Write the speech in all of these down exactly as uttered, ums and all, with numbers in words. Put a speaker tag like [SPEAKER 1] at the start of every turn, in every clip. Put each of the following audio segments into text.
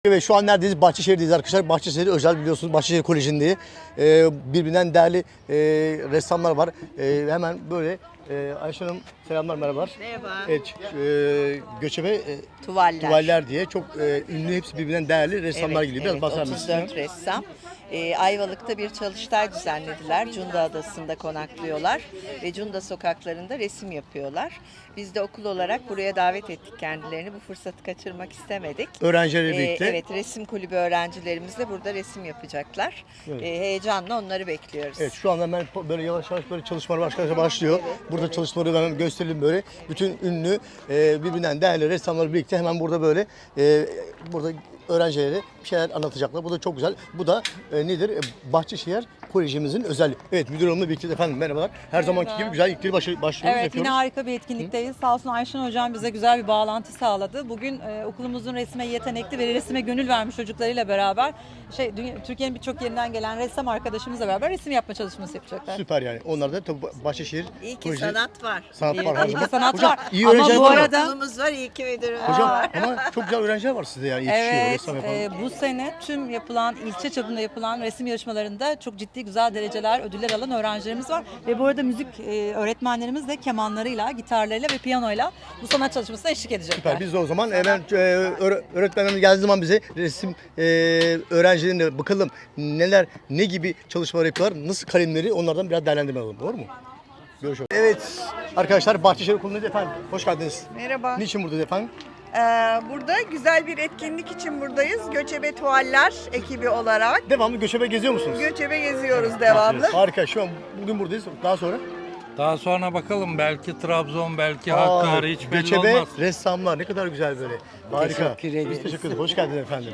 [SPEAKER 1] Ve şu an neredeyiz? Bahçeşehir'deyiz arkadaşlar. Bahçeşehir özel biliyorsunuz. Bahçeşehir Koleji'ndeyiz. Ee, birbirinden değerli e, ressamlar var. E, hemen böyle e, Ayşe Hanım selamlar, merhabalar.
[SPEAKER 2] Merhaba.
[SPEAKER 3] Evet, e, göçebe e,
[SPEAKER 2] Tuvaller.
[SPEAKER 3] tuvaller diye çok e, ünlü, hepsi birbirinden değerli ressamlar
[SPEAKER 2] Evet,
[SPEAKER 3] geliyor. Biraz
[SPEAKER 2] evet,
[SPEAKER 3] bahseder
[SPEAKER 2] otuz
[SPEAKER 3] misiniz?
[SPEAKER 2] dört ressam. Ee, Ayvalık'ta bir çalıştay düzenlediler. Cunda Adası'nda konaklıyorlar ve Cunda sokaklarında resim yapıyorlar. Biz de okul olarak buraya davet ettik kendilerini. Bu fırsatı kaçırmak istemedik.
[SPEAKER 3] Öğrencilerle
[SPEAKER 2] Ee,
[SPEAKER 3] birlikte.
[SPEAKER 2] evet, resim kulübü öğrencilerimizle burada resim yapacaklar.
[SPEAKER 3] Evet.
[SPEAKER 2] Ee, heyecanla onları bekliyoruz.
[SPEAKER 3] Evet, şu anda hemen böyle yavaş yavaş böyle çalışmalar arkadaşlar başlıyor.
[SPEAKER 2] Evet,
[SPEAKER 3] burada
[SPEAKER 2] evet.
[SPEAKER 3] çalışmaları hemen gösterelim böyle. Bütün ünlü e, birbirinden değerli ressamlarla birlikte hemen burada böyle e, burada öğrencilere bir şeyler anlatacaklar. Bu da çok güzel. Bu da e, nedir? E, Bahçeşehir Kolejimizin özelliği. Evet, müdür hanımla birlikte efendim merhabalar. Her zamanki gibi güzel ilkleri başı, başlıyoruz,
[SPEAKER 4] Evet,
[SPEAKER 3] yapıyoruz.
[SPEAKER 4] yine harika bir etkinlikteyiz. Sağ olsun Ayşen Hocam bize güzel bir bağlantı sağladı. Bugün e, okulumuzun resme yetenekli ve resime gönül vermiş çocuklarıyla beraber şey dünya- Türkiye'nin birçok yerinden gelen ressam arkadaşımızla beraber resim yapma çalışması yapacaklar.
[SPEAKER 3] Süper yani. Onlar da tabii Bahçeşehir
[SPEAKER 2] İyi ki
[SPEAKER 3] Koleji-
[SPEAKER 2] sanat var.
[SPEAKER 3] sanat
[SPEAKER 4] İyi-
[SPEAKER 3] var her
[SPEAKER 4] iyi ki
[SPEAKER 3] zaman.
[SPEAKER 4] sanat
[SPEAKER 3] Hocam,
[SPEAKER 4] var.
[SPEAKER 3] iyi
[SPEAKER 4] Ama
[SPEAKER 3] öğrenciler
[SPEAKER 4] bu
[SPEAKER 3] var mı?
[SPEAKER 4] arada-
[SPEAKER 2] Okulumuz var, iyi ki müdürümüz
[SPEAKER 3] Hocam
[SPEAKER 2] var.
[SPEAKER 3] ama çok güzel öğrenciler var sizde yani yetişiyor
[SPEAKER 4] Evet,
[SPEAKER 3] ressam yapan.
[SPEAKER 4] e, bu sene tüm yapılan, ilçe çapında yapılan resim yarışmalarında çok ciddi güzel dereceler, ödüller alan öğrencilerimiz var. Ve bu arada müzik e, öğretmenlerimiz de kemanlarıyla, gitarlarıyla ve piyanoyla bu sanat çalışmasına eşlik edecekler.
[SPEAKER 3] Süper. Biz de o zaman hemen e, öğre- öğretmenlerimiz geldiği zaman bize resim e, öğrencilerine bakalım neler, ne gibi çalışmalar yapıyorlar, nasıl kalemleri, onlardan biraz değerlendirme alalım. Doğru mu? Görüşürüz. Evet arkadaşlar, Bahçeşehir Okulu'ndayız efendim. Hoş geldiniz.
[SPEAKER 5] Merhaba.
[SPEAKER 3] Niçin buradayız efendim?
[SPEAKER 5] Ee, burada güzel bir etkinlik için buradayız. Göçebe Tuvaller ekibi olarak.
[SPEAKER 3] Devamlı göçebe geziyor musunuz?
[SPEAKER 5] Göçebe geziyoruz devamlı.
[SPEAKER 3] Harika. Şu an bugün buradayız. Daha sonra?
[SPEAKER 6] Daha sonra bakalım, belki Trabzon, belki
[SPEAKER 3] Aa,
[SPEAKER 6] Hakkari, hiç belli
[SPEAKER 3] göçebe
[SPEAKER 6] olmaz.
[SPEAKER 3] ressamlar ne kadar güzel böyle. Harika.
[SPEAKER 2] Teşekkür ederiz.
[SPEAKER 3] Biz teşekkür ederiz. Hoş geldiniz efendim.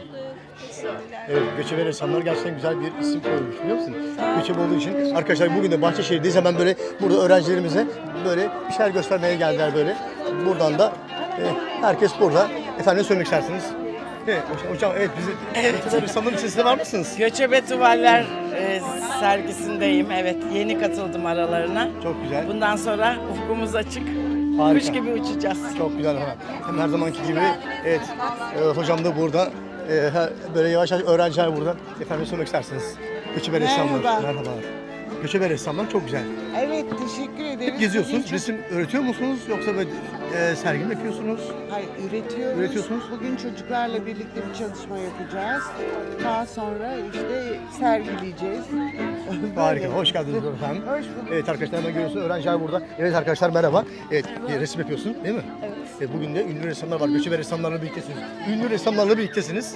[SPEAKER 3] Evet, göçebe ressamlar gerçekten güzel bir isim koymuş, biliyor musun? Göçebe olduğu için. Arkadaşlar bugün de Bahçeşehir'deyiz. Hemen böyle burada öğrencilerimize böyle bir şeyler göstermeye geldiler böyle. Buradan da e, herkes burada. Efendim ne söylemek istersiniz? Evet, hocam evet bizi evet. ressamların içerisinde var mısınız?
[SPEAKER 7] Göçebe Tuvaller e, sergisindeyim. Evet, yeni katıldım aralarına.
[SPEAKER 3] Çok güzel.
[SPEAKER 7] Bundan sonra ufkumuz açık.
[SPEAKER 3] Harika.
[SPEAKER 7] Kuş gibi uçacağız.
[SPEAKER 3] Çok güzel. Ha. Hem her zamanki gibi evet e, hocam da burada. E, her- böyle yavaş yavaş öğrenciler burada. Efendim ne söylemek istersiniz? Göçebe ressamlar.
[SPEAKER 8] Merhaba.
[SPEAKER 3] Merhabalar. Göçebe ressamlar çok güzel.
[SPEAKER 8] Evet, teşekkür ederiz.
[SPEAKER 3] Hep geziyorsunuz.
[SPEAKER 8] Bugün çok-
[SPEAKER 3] Resim öğretiyor musunuz yoksa böyle e, sergi mi yapıyorsunuz?
[SPEAKER 8] Hayır, üretiyoruz.
[SPEAKER 3] Üretiyorsunuz.
[SPEAKER 8] Bugün çocuklarla birlikte bir çalışma yapacağız. Daha sonra işte sergileyeceğiz.
[SPEAKER 3] Harika.
[SPEAKER 8] Böyle.
[SPEAKER 3] Hoş geldiniz efendim.
[SPEAKER 8] Hoş bulduk.
[SPEAKER 3] Evet arkadaşlar, hemen görüyorsunuz öğrenciler burada. Evet arkadaşlar merhaba. Evet bir resim yapıyorsun değil mi? Evet. Bugün de ünlü ressamlar var. Göçebe ressamlarla birliktesiniz. Ünlü ressamlarla birliktesiniz.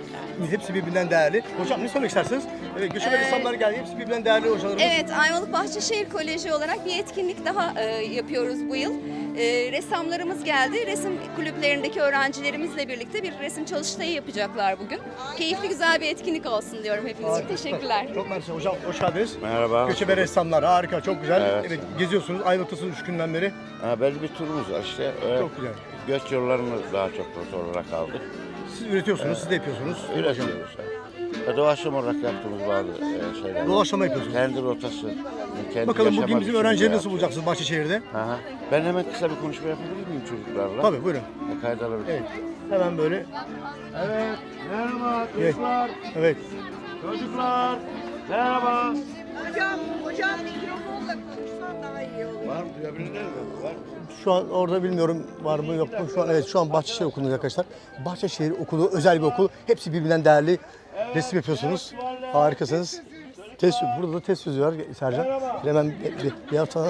[SPEAKER 3] Hepsi birbirinden değerli. Hocam ne söylemek istersiniz? Evet, göçebe ressamlar geldi. Hepsi birbirinden değerli hocalarımız.
[SPEAKER 9] Evet, Ayvalık Bahçeşehir Koleji olarak bir etkinlik daha e, yapıyoruz bu yıl. E, ressamlarımız geldi. Resim kulüplerindeki öğrencilerimizle birlikte bir resim çalıştayı yapacaklar bugün. Keyifli güzel bir etkinlik olsun diyorum hepiniz için.
[SPEAKER 3] Harika.
[SPEAKER 9] Teşekkürler.
[SPEAKER 3] Çok mersi hocam. Hoş geldiniz.
[SPEAKER 10] Merhaba.
[SPEAKER 3] Göçebe ressamlar harika, çok güzel. Evet,
[SPEAKER 10] Evet.
[SPEAKER 3] geziyorsunuz. Ayvalık'tasınız üç günden beri.
[SPEAKER 10] Ha, belli bir turumuz var işte. Öyle
[SPEAKER 3] Çok güzel.
[SPEAKER 10] göç yollarını daha çok rota olarak aldık.
[SPEAKER 3] Siz üretiyorsunuz, siz de yapıyorsunuz.
[SPEAKER 10] Üretiyoruz. Ve doğaçlama olarak yaptığımız bazı e, şeyler var.
[SPEAKER 3] Doğaçlama yapıyorsunuz.
[SPEAKER 10] Kendi rotası. Kendi
[SPEAKER 3] Bakalım bugün
[SPEAKER 10] yaşama
[SPEAKER 3] bizim
[SPEAKER 10] biçimini
[SPEAKER 3] öğrencileri nasıl
[SPEAKER 10] yapacağız.
[SPEAKER 3] bulacaksınız Bahçeşehir'de?
[SPEAKER 10] Aha. Ben hemen kısa bir konuşma yapabilir miyim çocuklarla?
[SPEAKER 3] Tabii buyurun.
[SPEAKER 10] E, kayda alabilir
[SPEAKER 3] Evet.
[SPEAKER 10] miyim?
[SPEAKER 3] Hemen böyle.
[SPEAKER 10] Evet. Merhaba
[SPEAKER 3] Evet. Evet.
[SPEAKER 10] Çocuklar. Merhaba.
[SPEAKER 5] Hocam, hocam mikrofonla konuşsan daha iyi olur.
[SPEAKER 10] Var mı? Duyabilirler mi? Var.
[SPEAKER 3] Şu an orada bilmiyorum var mı yok mu. Şu an evet şu an Bahçeşehir Okulu'nda arkadaşlar. Bahçeşehir Okulu özel bir okul. Hepsi birbirinden değerli. Resim yapıyorsunuz. Harikasınız. Test, burada da test sözü var Sercan. Hemen bir, bir, bir hafta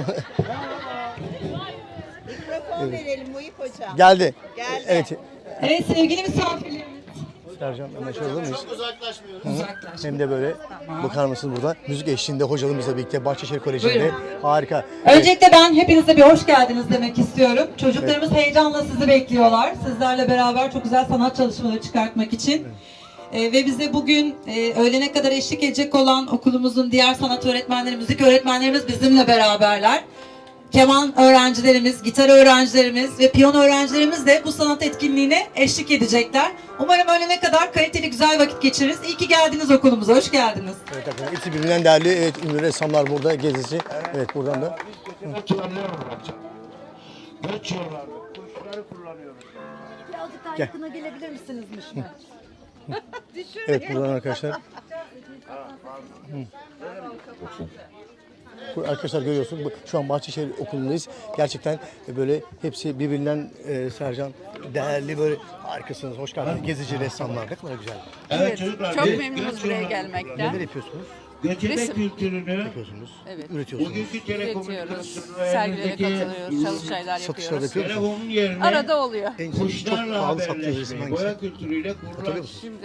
[SPEAKER 5] Mikrofon verelim Muhip hocam.
[SPEAKER 3] geldi.
[SPEAKER 5] Geldi.
[SPEAKER 3] Evet.
[SPEAKER 4] Evet sevgili misafirlerimiz.
[SPEAKER 3] Sercan hemen şöyle alır mıyız? Hı. Hem de böyle bakar mısınız burada müzik eşliğinde hocalarımızla birlikte Bahçeşehir Koleji'nde
[SPEAKER 4] Buyurun.
[SPEAKER 3] harika. Evet.
[SPEAKER 4] Öncelikle ben hepinize bir hoş geldiniz demek istiyorum. Çocuklarımız heyecanla sizi bekliyorlar. Sizlerle beraber çok güzel sanat çalışmaları çıkartmak için. Ee, ve bize bugün e, öğlene kadar eşlik edecek olan okulumuzun diğer sanat öğretmenleri, müzik öğretmenlerimiz bizimle beraberler. Keman öğrencilerimiz, gitar öğrencilerimiz ve piyano öğrencilerimiz de bu sanat etkinliğine eşlik edecekler. Umarım öğlene kadar kaliteli güzel vakit geçiririz. İyi ki geldiniz okulumuza, hoş geldiniz.
[SPEAKER 3] Evet arkadaşlar hepsi birbirinden değerli. Evet ünlü ressamlar burada gezisi. Evet buradan da.
[SPEAKER 10] Göç yollarını Göç yollarını. Kuşları kullanıyoruz.
[SPEAKER 4] Birazcık daha
[SPEAKER 3] Gel.
[SPEAKER 4] yakına gelebilir misiniz Mişme?
[SPEAKER 1] Evet buradan arkadaşlar. Hı. Bu arkadaşlar görüyorsunuz bu- şu an Bahçeşehir Okulu'ndayız. Gerçekten böyle hepsi birbirinden e, Sercan değerli böyle harikasınız. Hoş geldiniz. Gezici ressamlar ne kadar güzel.
[SPEAKER 7] Evet, çok memnunuz buraya gelmekten.
[SPEAKER 1] Neler yapıyorsunuz?
[SPEAKER 11] Göçebe kültürünü
[SPEAKER 1] Yapıyorsunuz.
[SPEAKER 7] Evet.
[SPEAKER 1] Üretiyorsunuz.
[SPEAKER 11] bugünkü
[SPEAKER 7] Üretiyoruz,
[SPEAKER 11] telekomünikasyon
[SPEAKER 7] sergilere katılıyoruz, çalıştaylar
[SPEAKER 1] Satışlar
[SPEAKER 7] yapıyoruz.
[SPEAKER 1] yapıyor musunuz?
[SPEAKER 11] telefonun yerine
[SPEAKER 7] Arada oluyor.
[SPEAKER 1] En çok
[SPEAKER 11] kuşlarla
[SPEAKER 1] pahalı sattığınız resim
[SPEAKER 11] haberleşmeyi,
[SPEAKER 1] hangisi?
[SPEAKER 11] boya kültürüyle
[SPEAKER 1] Hatırlıyor
[SPEAKER 11] kurulan
[SPEAKER 1] musunuz?
[SPEAKER 7] Şimdi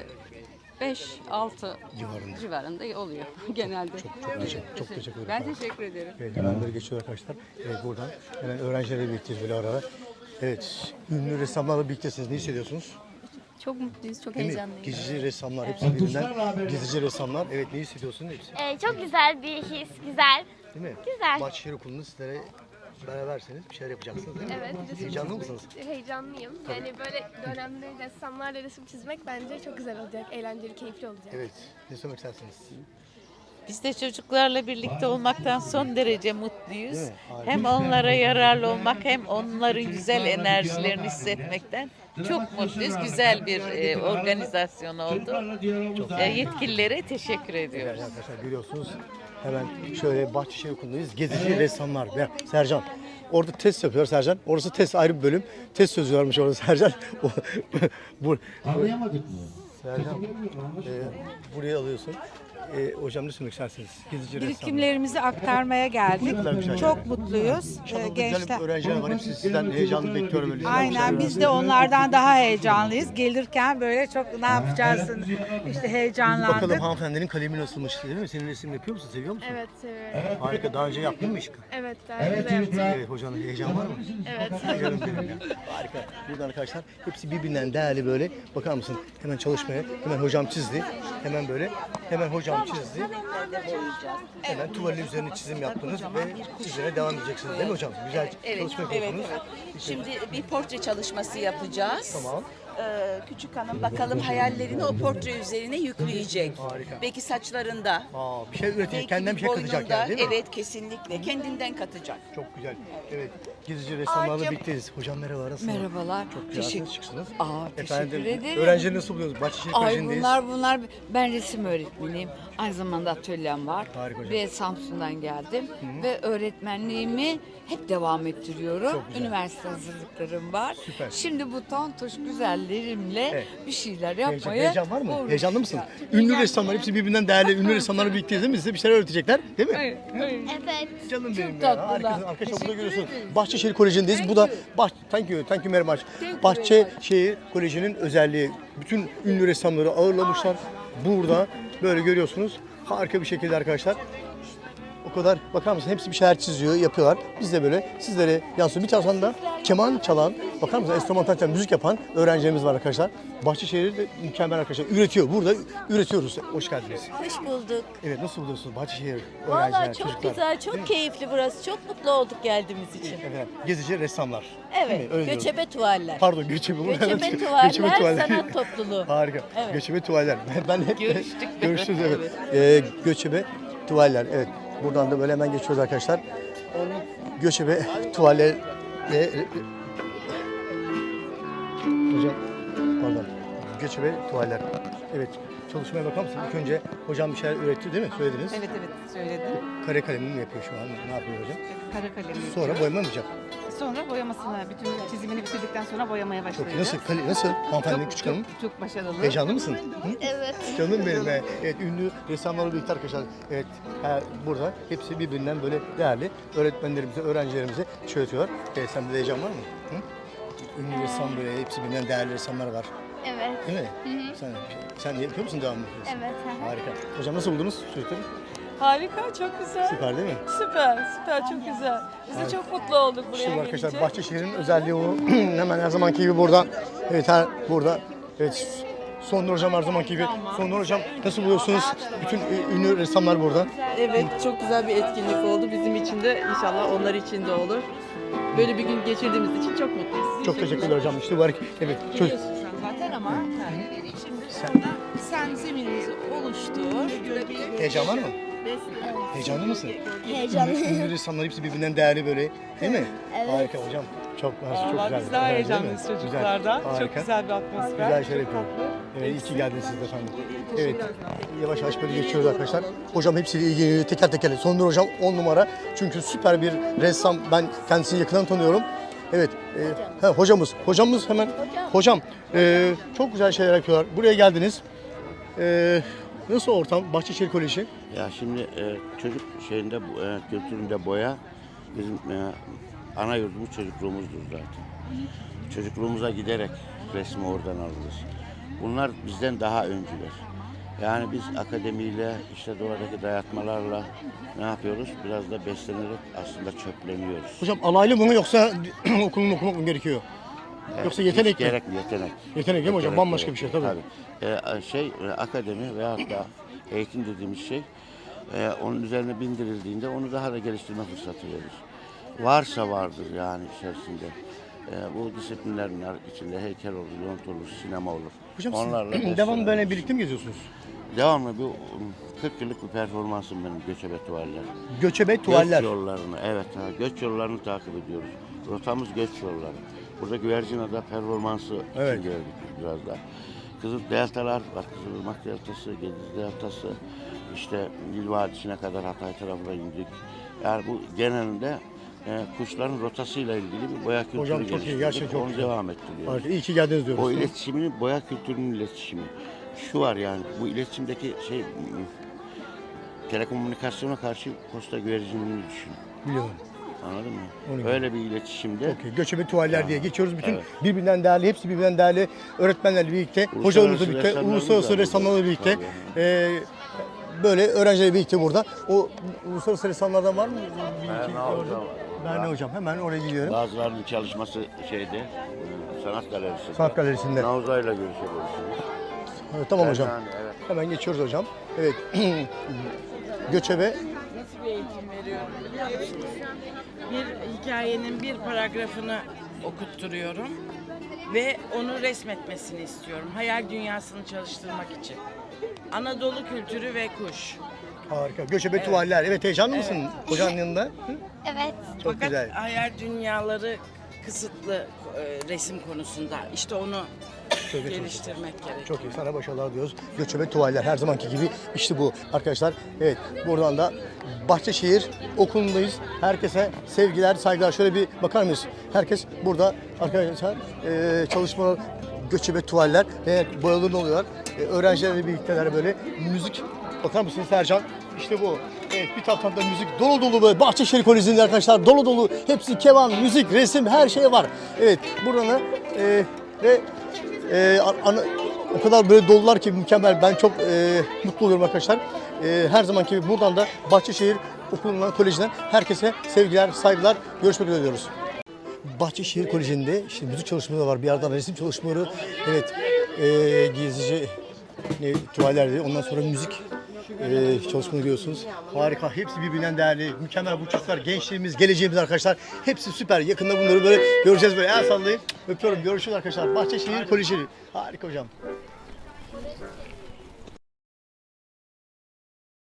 [SPEAKER 7] beş altı
[SPEAKER 1] Civarında.
[SPEAKER 7] civarında oluyor genelde.
[SPEAKER 1] Çok teşekkür, çok teşekkür ederim.
[SPEAKER 7] Ben teşekkür ederim.
[SPEAKER 1] Evet, hemen böyle geçiyor arkadaşlar. Evet, buradan hemen öğrencilerle birlikteyiz böyle ara ara. Evet, ünlü ressamlarla birliktesiniz. Ne hissediyorsunuz?
[SPEAKER 9] Çok mutluyuz, çok
[SPEAKER 1] Değil mi?
[SPEAKER 9] heyecanlıyız.
[SPEAKER 1] Gezici ressamlar, hepsi birbirinden gezici ressamlar. Evet, ne hissediyorsunuz hepsi?
[SPEAKER 12] Ee, çok güzel bir his, güzel.
[SPEAKER 1] Değil mi?
[SPEAKER 12] Güzel.
[SPEAKER 1] Bahçeşehir Okulu'nda sizlere beraberseniz bir şeyler yapacaksınız değil mi?
[SPEAKER 12] Evet, resim
[SPEAKER 1] Heyecanlı
[SPEAKER 12] çizmek-
[SPEAKER 1] mısınız?
[SPEAKER 12] Heyecanlıyım. Yani böyle dönemde ressamlarla resim çizmek bence çok güzel olacak, eğlenceli, keyifli olacak.
[SPEAKER 1] Evet, ne söylemek istersiniz?
[SPEAKER 7] Biz de çocuklarla birlikte olmaktan son derece mutluyuz.
[SPEAKER 1] Değil mi? Harika.
[SPEAKER 7] Hem onlara yararlı olmak hem onların güzel enerjilerini hissetmekten çok mutluyuz. Güzel bir e, organizasyon oldu. E, yetkililere teşekkür ediyoruz.
[SPEAKER 1] Evet arkadaşlar görüyorsunuz. Hemen şöyle Bahçeşehir Okulu'ndayız. Gezici ressamlar. Ve Sercan. Orada test yapıyor Sercan. Orası test ayrı bir bölüm. Test sözü varmış orada Sercan. O- bu,
[SPEAKER 11] Anlayamadık mı?
[SPEAKER 1] Sercan, e, buraya alıyorsun. E, hocam ne söylemek istersiniz? Gezici ressamlar.
[SPEAKER 8] Birikimlerimizi aktarmaya geldik.
[SPEAKER 1] Ne kadar güzel.
[SPEAKER 8] Çok mutluyuz.
[SPEAKER 1] İnşallah
[SPEAKER 8] Ee,
[SPEAKER 1] güzel
[SPEAKER 8] Gençler.
[SPEAKER 1] öğrenciler var. Hepsi sizden heyecanlı bekliyorum. Öyle.
[SPEAKER 8] Aynen biz de onlardan daha heyecanlıyız. Gelirken böyle çok ne yapacağız işte
[SPEAKER 1] Bakalım
[SPEAKER 8] heyecanlandık.
[SPEAKER 1] hanımefendinin kalemi nasılmış değil mi? Senin resim yapıyor musun? Seviyor musun?
[SPEAKER 12] Evet, seviyorum.
[SPEAKER 1] Harika. Daha önce yaptın mı hiç?
[SPEAKER 12] Evet, daha önce de yaptım.
[SPEAKER 1] Evet hocanın heyecan var mı?
[SPEAKER 12] Evet.
[SPEAKER 1] Canım benim ya. Harika. Burada arkadaşlar hepsi birbirinden değerli böyle. Bakar mısın? Hemen çalışmaya. Hemen hocam çizdi. Hemen böyle. Hemen hocam çizdi. Hemen tuvalin üzerine çizim yaptınız ve çizime devam edeceksiniz değil mi hocam? Güzel çalışma yapıyorsunuz.
[SPEAKER 2] Şimdi bir portre çalışması yapacağız.
[SPEAKER 1] Tamam.
[SPEAKER 2] Ee, küçük hanım bakalım hayallerini o portre üzerine yükleyecek.
[SPEAKER 1] Harika.
[SPEAKER 2] Belki saçlarında,
[SPEAKER 1] Aa, bir şey üretecek.
[SPEAKER 2] belki
[SPEAKER 1] Kendinden bir şey katacak
[SPEAKER 2] boynunda.
[SPEAKER 1] yani değil mi?
[SPEAKER 2] Evet, kesinlikle. Kendinden katacak.
[SPEAKER 1] Çok güzel. Evet. Gezici ressamlarla
[SPEAKER 2] Ağacım.
[SPEAKER 1] birlikteyiz. Hocam merhaba. Nasılsınız?
[SPEAKER 7] Merhabalar.
[SPEAKER 1] Çok güzelsiniz. Çıksınız.
[SPEAKER 7] Aa,
[SPEAKER 1] Efendim,
[SPEAKER 7] teşekkür ederim.
[SPEAKER 1] öğrencileri nasıl buluyorsunuz? Bahçeşehir
[SPEAKER 7] Ay
[SPEAKER 1] Koleji'ndeyiz.
[SPEAKER 7] bunlar bunlar ben resim öğretmeniyim. Aynı zamanda atölyem var.
[SPEAKER 1] Harika hocam.
[SPEAKER 7] Ve Samsun'dan geldim ve öğretmenliğimi hep devam ettiriyorum.
[SPEAKER 1] Çok güzel.
[SPEAKER 7] Üniversite hazırlıklarım var.
[SPEAKER 1] Süper.
[SPEAKER 7] Şimdi bu tontuş güzellerimle
[SPEAKER 1] Evet.
[SPEAKER 7] bir şeyler
[SPEAKER 1] Heyecan,
[SPEAKER 7] yapmaya
[SPEAKER 1] heyecan var mı?
[SPEAKER 7] uğraşıyorum.
[SPEAKER 1] Heyecanlı mısın? Ünlü ressamlar hepsi birbirinden değerli ünlü ressamlarla birlikteyiz değil mi? Size bir şeyler öğretecekler değil mi?
[SPEAKER 7] Evet, evet.
[SPEAKER 12] Evet.
[SPEAKER 1] Canım benim ya.
[SPEAKER 7] tatlılar.
[SPEAKER 1] Harikasın. Arkadaşlar burada
[SPEAKER 7] Teşekkür
[SPEAKER 1] görüyorsunuz.
[SPEAKER 7] ederim.
[SPEAKER 1] Bahçeşehir Koleji'ndeyiz. Bu da Bah Thank you. Thank you very much. Bahçeşehir Koleji'nin özelliği. Bütün ünlü ressamları ağırlamışlar. Burada böyle görüyorsunuz. Harika bir şekilde arkadaşlar. O kadar bakar mısın? Hepsi bir şeyler çiziyor, yapıyorlar. Biz de böyle sizlere yansıyor. Bir taraftan da keman çalan, bakar mısın? Enstrümantal çalan, müzik yapan öğrencilerimiz var arkadaşlar. Bahçeşehir'de mükemmel arkadaşlar. Üretiyor. Burada üretiyoruz. Hoş geldiniz.
[SPEAKER 13] Hoş bulduk.
[SPEAKER 1] Evet, nasıl buluyorsunuz Bahçeşehir öğrenciler,
[SPEAKER 13] Vallahi çok
[SPEAKER 1] çocuklar?
[SPEAKER 13] güzel,
[SPEAKER 1] Değil
[SPEAKER 13] çok
[SPEAKER 1] mi?
[SPEAKER 13] keyifli burası. Çok mutlu olduk geldiğimiz için.
[SPEAKER 1] Efendim, gezici ressamlar. Değil mi?
[SPEAKER 13] Evet,
[SPEAKER 1] Öyle diyoruz.
[SPEAKER 13] göçebe tuvaller.
[SPEAKER 1] Pardon, göçebe.
[SPEAKER 13] Göçebe
[SPEAKER 1] Göçebe
[SPEAKER 13] tuvaller, sanat topluluğu.
[SPEAKER 1] Harika.
[SPEAKER 13] Evet.
[SPEAKER 1] Göçebe tuvaller. Ben hep
[SPEAKER 7] Görüştük.
[SPEAKER 1] görüştük evet. Ee, göçebe tuvaller. Evet. Buradan da böyle hemen geçiyoruz arkadaşlar. Göçebe tuvaller ve hocam pardon. Göçebe tuvaller. Evet. Çalışmaya bakar mısın? İlk önce hocam bir şeyler üretti değil mi? Söylediniz.
[SPEAKER 7] Evet evet söyledim.
[SPEAKER 1] Kare kalemini mi yapıyor şu an? Ne yapıyor hocam?
[SPEAKER 7] Kara kalemi.
[SPEAKER 1] Sonra boyama mı yapacak?
[SPEAKER 7] Sonra boyamasını, bütün çizimini bitirdikten sonra boyamaya
[SPEAKER 1] Çok
[SPEAKER 7] başlayacağız.
[SPEAKER 1] iyi. Nasıl? Kale, nasıl? Hanımefendi küçük hanım.
[SPEAKER 7] Çok başarılı.
[SPEAKER 1] Heyecanlı mısın? Hı?
[SPEAKER 12] Evet.
[SPEAKER 1] Canım benim. be. Evet, ünlü ressamlarla birlikte arkadaşlar. Evet, e, burada hepsi birbirinden böyle değerli öğretmenlerimize, öğrencilerimize şey öğretiyorlar. Evet, sende de heyecan var mı? Hı? Ünlü ressam böyle, hepsi birbirinden değerli ressamlar var.
[SPEAKER 12] Evet.
[SPEAKER 1] Değil mi? Sen, sen yapıyor musun devamlı?
[SPEAKER 12] Evet.
[SPEAKER 1] Harika. Hocam nasıl buldunuz çocukları?
[SPEAKER 13] Harika, çok güzel.
[SPEAKER 1] Süper değil mi?
[SPEAKER 13] Süper, süper, çok güzel. Biz de çok mutlu olduk buraya
[SPEAKER 1] İşte bu arkadaşlar
[SPEAKER 13] gelince.
[SPEAKER 1] Bahçeşehir'in özelliği o. Hemen her zamanki gibi burada. Evet, her burada. Evet. Sondur hocam her zamanki gibi. Sondur hocam nasıl buluyorsunuz? Bütün ünlü ressamlar burada.
[SPEAKER 13] Evet, çok güzel bir etkinlik oldu. Bizim için de inşallah onlar için de olur. Böyle bir gün geçirdiğimiz için çok mutluyuz.
[SPEAKER 1] Çok teşekkürler hocam. İşte bu hareket. Evet. Çocuk.
[SPEAKER 7] Zaten ama şimdi
[SPEAKER 1] Sen-
[SPEAKER 7] sonra sen zeminimizi oluştur.
[SPEAKER 1] Heyecan var mı? Heyecanlı mısın?
[SPEAKER 12] Heyecanlıyım.
[SPEAKER 1] Ünlü ressamlar hepsi birbirinden değerli böyle. Değil mi?
[SPEAKER 12] Evet.
[SPEAKER 1] Harika hocam. Çok mersi, çok
[SPEAKER 13] Vallahi
[SPEAKER 1] güzel.
[SPEAKER 13] biz daha
[SPEAKER 1] Evet, değil mi?
[SPEAKER 13] heyecanlıyız çocuklardan.
[SPEAKER 1] Güzel,
[SPEAKER 13] Çok
[SPEAKER 1] harika.
[SPEAKER 13] güzel bir atmosfer.
[SPEAKER 1] Güzel şeyler
[SPEAKER 13] Çok
[SPEAKER 1] yapıyor.
[SPEAKER 13] tatlı.
[SPEAKER 1] Evet, iyi ki geldiniz siz de efendim. Evet, yavaş yavaş böyle geçiyoruz arkadaşlar. Hocam hepsiyle ilgili teker teker. Sondur hocam on numara. Çünkü süper bir ressam. Ben kendisini yakından tanıyorum. Evet, e, he, hocamız. Hocamız hemen. Hocam, e, çok güzel şeyler yapıyorlar. Buraya geldiniz. E, nasıl ortam? Bahçeşehir Koleji.
[SPEAKER 10] Ya şimdi e, çocuk şeyinde e, kültüründe boya bizim e, ana yurdumuz çocukluğumuzdur zaten. Çocukluğumuza giderek resmi oradan alırız. Bunlar bizden daha öncüler. Yani biz akademiyle, işte doğadaki dayatmalarla ne yapıyoruz? Biraz da beslenerek aslında çöpleniyoruz.
[SPEAKER 1] Hocam alaylı mı yoksa okulunu okumak mı gerekiyor? Yoksa yetenek
[SPEAKER 10] Hiç
[SPEAKER 1] mi?
[SPEAKER 10] gerek yetenek.
[SPEAKER 1] Yetenek değil mi hocam? Bambaşka bir şey tabii.
[SPEAKER 10] Ee, şey e, akademi veyahut da eğitim dediğimiz şey e, onun üzerine bindirildiğinde onu daha da geliştirme fırsatı verir. Varsa vardır yani içerisinde. E, bu disiplinlerin içinde heykel olur, yont olur, sinema olur.
[SPEAKER 1] Hocam
[SPEAKER 10] Onlarla
[SPEAKER 1] siz devam
[SPEAKER 10] besleniriz.
[SPEAKER 1] böyle birlikte mi geziyorsunuz?
[SPEAKER 10] Devamlı bu kırk yıllık bir performansım benim göçebe tuvaller.
[SPEAKER 1] Göçebe tuvaller.
[SPEAKER 10] Göç yollarını, evet ha, göç yollarını takip ediyoruz. Rotamız göç yolları. Burada Güvercinada performansı
[SPEAKER 1] Evet.
[SPEAKER 10] için gördük biraz da. Kızıl deltalar var, Kızılırmak deltası, Gediz deltası, işte Nil Vadisi'ne kadar Hatay tarafına indik. Yani bu genelinde e, kuşların rotasıyla ilgili bir boya kültürü
[SPEAKER 1] Hocam çok iyi,
[SPEAKER 10] geliştirdik.
[SPEAKER 1] gerçekten çok
[SPEAKER 10] Onu
[SPEAKER 1] güzel.
[SPEAKER 10] devam ettiriyoruz.
[SPEAKER 1] Harika, iyi ki geldiniz diyoruz.
[SPEAKER 10] O iletişimin, boya kültürünün iletişimi. Şu var yani, bu iletişimdeki şey, telekomünikasyona karşı posta güvercinini düşün.
[SPEAKER 1] Biliyorum.
[SPEAKER 10] Anladın mı?
[SPEAKER 1] Onu
[SPEAKER 10] Öyle bir iletişimde.
[SPEAKER 1] Okey, göçebe tuvaller
[SPEAKER 10] Ya,
[SPEAKER 1] diye geçiyoruz. Bütün
[SPEAKER 10] evet.
[SPEAKER 1] birbirinden değerli, hepsi birbirinden değerli öğretmenlerle birlikte,
[SPEAKER 10] Uluslararası
[SPEAKER 1] hocalarımızla birlikte,
[SPEAKER 10] ressamlarımız
[SPEAKER 1] uluslararası
[SPEAKER 10] var
[SPEAKER 1] ressamlarla
[SPEAKER 10] burada.
[SPEAKER 1] birlikte,
[SPEAKER 10] Tabii.
[SPEAKER 1] e, böyle öğrencilerle birlikte burada. O uluslararası ressamlardan var mı? Bir iki
[SPEAKER 10] Berna
[SPEAKER 1] orada.
[SPEAKER 10] Hocam var.
[SPEAKER 1] Berna hocam, hemen oraya gidiyorum.
[SPEAKER 10] Bazılarının çalışması şeyde, e, sanat galerisinde.
[SPEAKER 1] Sanat galerisinde.
[SPEAKER 10] Navza'yla görüşebilirsiniz.
[SPEAKER 1] Evet, tamam hocam.
[SPEAKER 10] Yani, evet.
[SPEAKER 1] Hemen geçiyoruz hocam. Evet. göçebe
[SPEAKER 13] Nasıl bir eğitim veriyorum biliyor musunuz? Bir hikayenin bir paragrafını okutturuyorum ve onu resmetmesini istiyorum. Hayal dünyasını çalıştırmak için. Anadolu kültürü ve kuş.
[SPEAKER 1] harika. Göçebe
[SPEAKER 13] Evet.
[SPEAKER 1] tuvaller. Evet, heyecanlı mısın
[SPEAKER 13] Evet.
[SPEAKER 1] hocanın yanında? Hı?
[SPEAKER 12] Evet.
[SPEAKER 1] Çok
[SPEAKER 13] Fakat
[SPEAKER 1] güzel.
[SPEAKER 13] hayal dünyaları kısıtlı e, resim konusunda. İşte onu
[SPEAKER 1] Çok iyi, çok iyi.
[SPEAKER 13] geliştirmek gerekiyor.
[SPEAKER 1] Çok iyi. Sana başarılar diyoruz. Göçebe tuvaller her zamanki gibi işte bu arkadaşlar. Evet, buradan da Bahçeşehir Okulu'ndayız. Herkese sevgiler, saygılar. Şöyle bir bakar mıyız? Herkes burada arkadaşlar e, çalışmalar, göçebe tuvaller ve boyalı oluyorlar. E, öğrencilerle birlikteler böyle müzik. Bakar mısınız Sercan? İşte bu. Evet, bir taraftan da müzik dolu dolu böyle Bahçeşehir Koleji'nde arkadaşlar dolu dolu. Hepsi keman, müzik, resim her şey var. Evet, buradan da e, ve e, ana, o kadar böyle dolular ki mükemmel. Ben çok e, mutlu oluyorum arkadaşlar. E, her zamanki gibi buradan da Bahçeşehir Okulu'ndan, kolejinden herkese sevgiler, saygılar. Görüşmek üzere diyoruz. Bahçeşehir Koleji'nde işte müzik çalışmaları var. Bir yandan resim çalışmaları. Evet, e, gezici ne, tuvaller diye. Ondan sonra müzik e, çalışmaları görüyorsunuz. Harika. Hepsi birbirinden değerli. Mükemmel bu çocuklar. Gençliğimiz, geleceğimiz arkadaşlar. Hepsi süper. Yakında bunları böyle göreceğiz böyle. El sallayayım. Öpüyorum. Görüşürüz arkadaşlar. Bahçeşehir Koleji. Harika hocam.